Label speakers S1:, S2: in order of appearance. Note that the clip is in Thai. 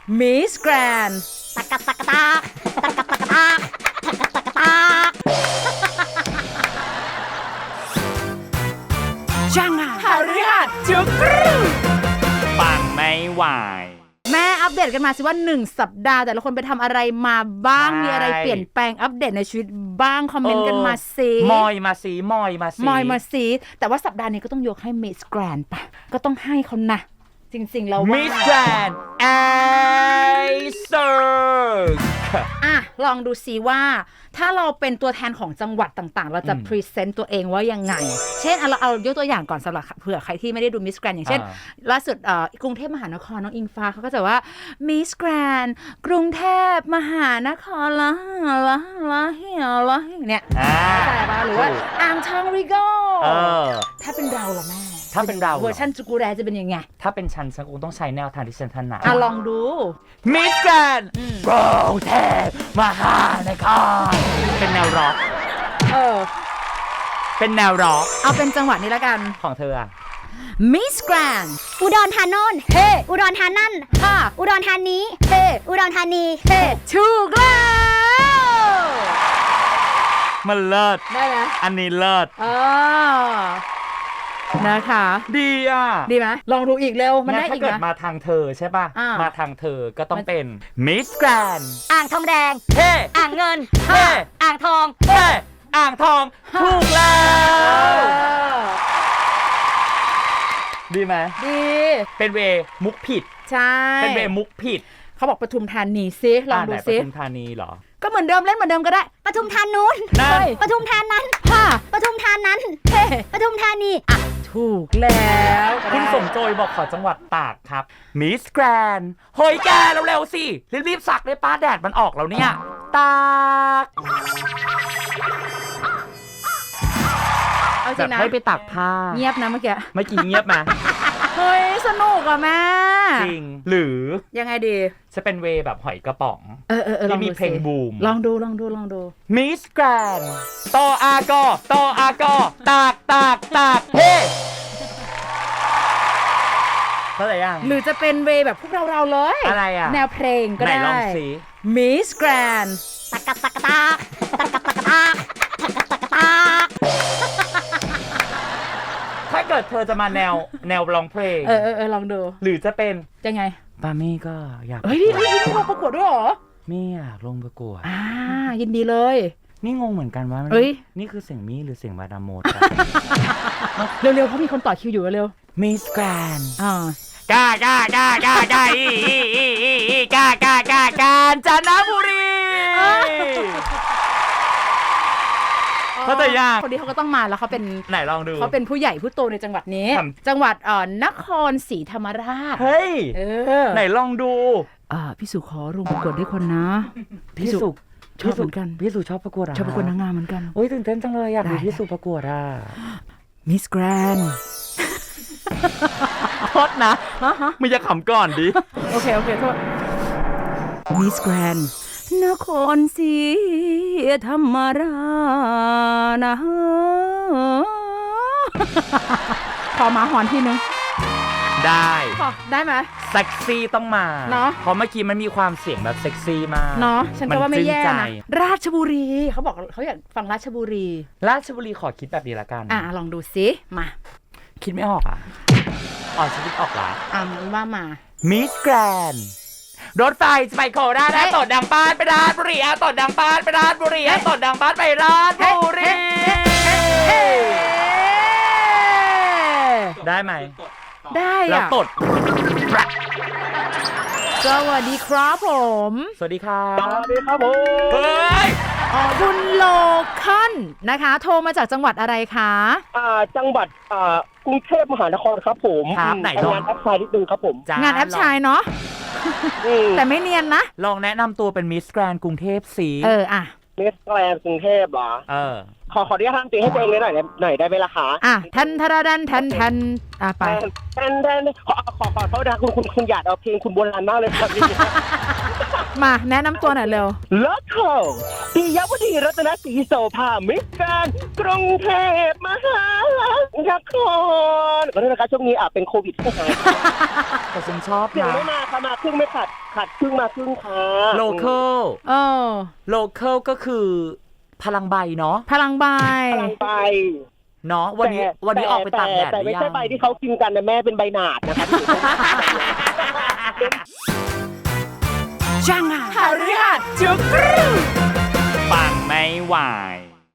S1: Miss Grand
S2: ตักกะตักกะตากตักกะตักกะตากตักกะตักกะตาก
S1: จังอ่ะหาเรื่องจุกรู
S3: ปังไม่ไหว
S1: แม่อัปเดตกันมาสิว่า1สัปดาห์แต่ละคนไปทำอะไรมาบ้างมีอะไรเปลี่ยนแปลงอัปเดตในชีวิตบ้างคอมเมนต์กันมาสิ
S3: มอยมาสิ
S1: แต่ว่าสัปดาห์นี้ก็ต้องยกให้ Miss Grand ป่ะก็ต้องให้เขานะจริงๆแล้วว่า
S3: Miss Grand ไอเซอร์
S1: ลองดูซิว่าถ้าเราเป็นตัวแทนของจังหวัดต่างๆเราจะพรีเซนต์ตัวเองว่ายังไงเช่นเราเอายกตัวอย่างก่อนสำหรับเผื่อใครที่ไม่ได้ดู Miss Grand อย่างเช่นล่าสุดกรุงเทพมหานครน้องอิงฟ้าเขาก็จะว่า Miss Grand กรุงเทพมหานครละเนี่ยใช่ป่ะหรือว่าอ่างทองริโก้ถ้าเป็นเราล่ะแม่
S3: ถ้าเป็นเรา
S1: เวอร์ชันจูกูแรจะเป็นยังไง
S3: ถ้าเป็นฉันคงต้องใช้แนวทางที่ฉันถนัด
S1: ลองดู
S3: Miss Grand กรุงเทพมหานครเป็นแนวร็อกเป็นแนวร็อก
S1: เอาเป็นจังหวัดนี้แล้วกัน
S3: ของเธออะ
S1: Miss Grand
S2: อุดรธานีเฮ้อุดรธานั่นอุดรธานีเฮ้อุดรธานีเฮ้
S1: ถูกแล้ว
S3: มันเลิศ
S1: ได้ไหม
S3: อันนี้เลิศ
S1: นะคะ
S3: ดีอ่ะ
S1: ดีไหมลองดูอีกเร็วมันได้อีกนะ
S3: ถ้าเกิดมาทางเธอใช่ป่ะมาทางเธอก็ต้องเป็น Miss Grand
S2: อ่างทองแดง
S3: เฮ้
S2: อ่างเงินเฮ้อ่างทอง
S3: เฮ้อ่างทองถูกแล้วดีไหม
S1: ดี
S3: เป็นเวมุกผิด
S1: ใช่
S3: เป็นเวมุกผิด
S1: เขาบอกปทุมธานีซิลองดูซิ
S3: ปทุมธานีเหรอ
S1: ก็เหมือนเดิมเล่นเหมือนเดิมก็ได้
S2: ปทุมธานู้นปทุมธานั้นปทุมธานั้นเฮ้ปทุมธานี
S1: ถูกแล้ว
S3: คุณสมโจยบอกขอจังหวัดตากครับ Miss Grand เฮ้ยแกเร็วๆสิรีบๆสักเลยป้าแดดมันออกแล้วเนี่ยตาก
S1: เอาจริงนะ
S3: ให้ไปตากผ้า
S1: เงียบนะเมื่อ
S3: กี้เงียบไหม
S1: เฮ้ยสนุกอ่ะแม่
S3: จริงหรือ
S1: ยังไงดี
S3: จะเป็นเวแบบหอยกระป๋องที่มีเพลงบูม
S1: ลองดู
S3: Miss Grand ตออากตากเฮ้เข้าใจยัง
S1: หรือจะเป็นเวแบบพวกเราเลย
S3: อะไรอ่ะ
S1: แนวเพลงก็ได้
S3: ไหนลองสิ
S1: Miss Grand
S2: ตักกะตักกะตากตักกะตักกะตากตักกะตักกะตาก
S3: ถ้าเกิดเธอจะมาแนวร้องเพลง
S1: ลองดู
S3: หรือจะเป็น
S1: ยังไง
S3: ปามี่ก็อยาก
S1: ต้องลงประกวดด้วยเหรอ
S3: มี่อยากลงประกวด
S1: ยินดีเลย
S3: นี่งงเหมือนกันว่านี่คือเสียงมี่หรือเสียงมาดามโมด
S1: เร็วๆเพราะมีคนต่อคิวอยู่เร็ว
S3: Miss Grand กาญจนบุรีเขาแต่ยาก
S1: คนนี้เขาก็ต้องมาแล้วเขาเป็น
S3: ไหนลองดู
S1: เขาเป็นผู้ใหญ่ผู้โตในจังหวัดนี้จังหวัดนครศรีธรรมราช
S3: เฮ้ยไหนลองดู
S1: พี่สุขอลงประกวดด้วยคนนะ
S3: พี่สุ
S1: ชอบเหมือนกัน
S3: พี่สุชอบประกวด
S1: ชอบประกวดนางงามเหมือนกัน
S3: โอ้ยตื่นเต้นจังเลยอยากดูพี่สุประกวด
S1: Miss Grand
S3: โทษนะมึงจะขำก่อนดิ
S1: โอเคโทษ Miss Grand นครศรีธรรมราชนะขอมาหอนทีนึงได้ไหม
S3: เซ็กซี่ต้องมา
S1: เนาะ
S3: เพราะเมื่อกี้มันมีความเสียงแบบเซ็กซี่มาก
S1: เนาะฉันก็ว่าไม่แย่นะราชบุรีเขาบอกเขาอยากฟังราชบุรี
S3: ขอคิดแบบนี้ละกัน
S1: ลองดูซิมา
S3: คิดไม่ออกฉันคิดออกละ
S1: ว่ามา
S3: Miss Grand รถไฟจะไปโคราชตดดังปานไปราชบุรีตดดังปานไปราชบุรีตดดังปานไปราชบุรีได้ไหม
S1: ได้
S3: แล้วตด
S1: สวัสดีครับผม
S3: สวัสดีครับ
S4: สวัสดีครับผม
S3: เฮ้ย
S1: คุณโลคันนะคะโทรมาจากจังหวัดอะไรคะ
S4: จังหวัดกรุงเทพมหานครครับผม
S3: ไหน
S4: งานแอปชายนิดนึงครับผม
S1: งานแอปชายเนาะแต่ไม่เนียนนะ
S3: ลองแนะนำตัวเป็นมิสแกรนด์กรุงเทพสิ
S4: มิสแกรนด์กรุงเทพเหรอขออนุญาตทำตีให้ตัวเองหน่อยได้ไหมล่ะคะ
S1: ทันไป
S4: ขอโทษนะคุณอยากเอาเพลงคุณโบราณมากเลยครับ
S1: มาแนะนำตัวหน่อยเร็ว
S4: ละครปิยวดีรัตนศรีโสภามิสแกรนด์กรุงเทพมหารักทุกคนขอโทษนะคะช่วงนี้เป็นโควิดใช่ไหม
S3: แต่ฉันชอบ
S4: เสียง
S3: นะ
S4: ไม่มาค่ะมาครึ่งไม่ขาดครึ่งมาครึ่งค่ะ
S3: local local ก็คือพลังใบเนาะ
S1: พลังใบ
S4: พลังใบ
S3: เนาะวันนี้ออกไปตากแดด
S4: แต่ไม่ใช่ใบที่เขากินกันนะแม่เป็นใบหนาดนะคะ
S1: จังอ่ะหาเรื่องจุกรู
S3: ปังไม่ไหว